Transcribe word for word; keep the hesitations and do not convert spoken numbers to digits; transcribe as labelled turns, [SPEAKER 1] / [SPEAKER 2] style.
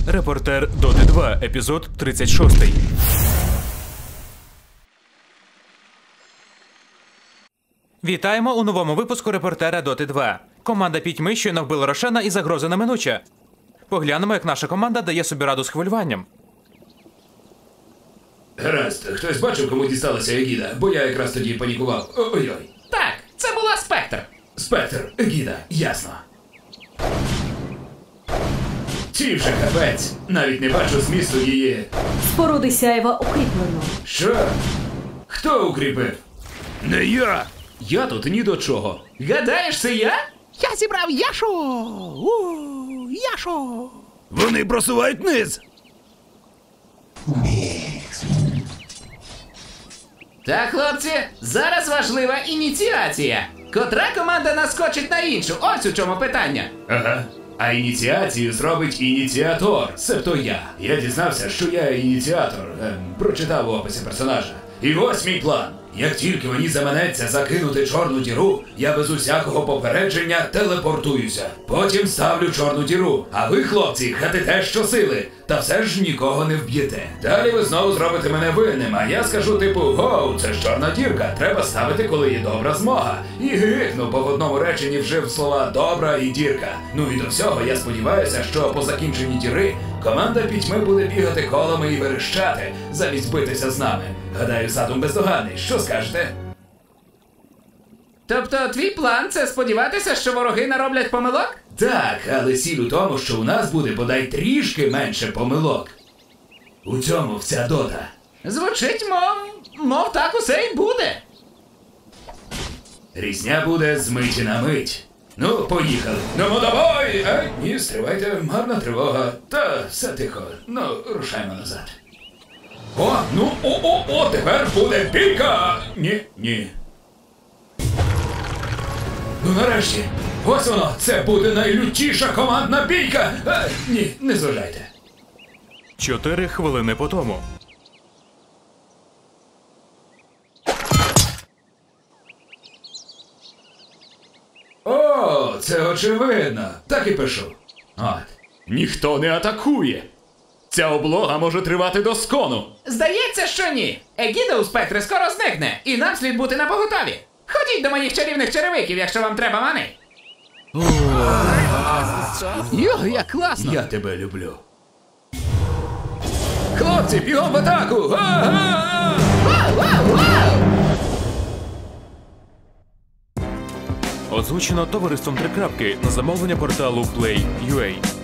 [SPEAKER 1] Репортер Доти два, епізод тридцять шість. Вітаємо у новому випуску Репортера Доти два. Команда Пітьми щойно вбила Рошена і загроза неминуча. Поглянемо, як наша команда дає собі раду з хвилюванням.
[SPEAKER 2] Гаразд, хтось бачив, кому дісталася Егіда? Бо я якраз тоді панікував. Ой-ой.
[SPEAKER 3] Так, це була Спектр.
[SPEAKER 2] Спектр, Егіда, ясно. Ті вже капець. Навіть не бачу змісту її.
[SPEAKER 4] Споруди сяєва укріплено.
[SPEAKER 2] Що? Хто укріпив? Не я! Я тут ні до чого.
[SPEAKER 3] Гадаєш, це я?
[SPEAKER 5] Я зібрав Яшу! У, Яшу!
[SPEAKER 2] Вони просувають низ!
[SPEAKER 3] Так, хлопці, зараз важлива ініціація. Котра команда наскочить на іншу? Ось у чому питання.
[SPEAKER 2] Ага. А ініціацію зробить ініціатор, себто я. Я дізнався, що я ініціатор, ем, прочитав в описі персонажа. І ось мій план. Як тільки мені заманеться закинути чорну діру, я без усякого попередження телепортуюся. Потім ставлю чорну діру, а ви, хлопці, хатите щосили, та все ж нікого не вб'єте. Далі ви знову зробите мене винним, а я скажу типу: гоу, це ж чорна дірка, треба ставити, коли є добра змога. І гикну, бо в одному реченні вжив слова добра і дірка. Ну і до всього я сподіваюся, що по закінченні діри команда Пітьми буде бігати колами і верещати, замість битися з нами. Гадаю, задум бездоганний. Що скажете?
[SPEAKER 3] Тобто твій план – це сподіватися, що вороги нароблять помилок?
[SPEAKER 2] Так, але сіль у тому, що у нас буде бодай трішки менше помилок. У цьому вся дота.
[SPEAKER 3] Звучить, мов, мов так усе й буде.
[SPEAKER 2] Різня буде з миті на мить. Ну, поїхали. Ну, давай! Ай, ні, стривайте, гарна тривога. Та все тихо. Ну, рушаймо назад. О, ну, о-о-о, тепер буде бійка! Ні, ні. Ну, нарешті. Ось воно, це буде найлютіша командна бійка! А, ні, не зважайте.
[SPEAKER 1] Чотири хвилини по тому.
[SPEAKER 2] О, це очевидно. Так і пишу. От.
[SPEAKER 6] Ніхто не атакує. Ця облога може тривати до скону.
[SPEAKER 3] Здається, що ні. Егіда у Спектри скоро зникне, і нам слід бути напоготові. Ходіть до моїх чарівних черевиків, якщо вам треба мани.
[SPEAKER 5] Йо, як класно!
[SPEAKER 2] Я тебе люблю. Хлопці, бігом в атаку! Га-га!
[SPEAKER 1] Озвучено товариством Три крапки на замовлення порталу Play точка ю а.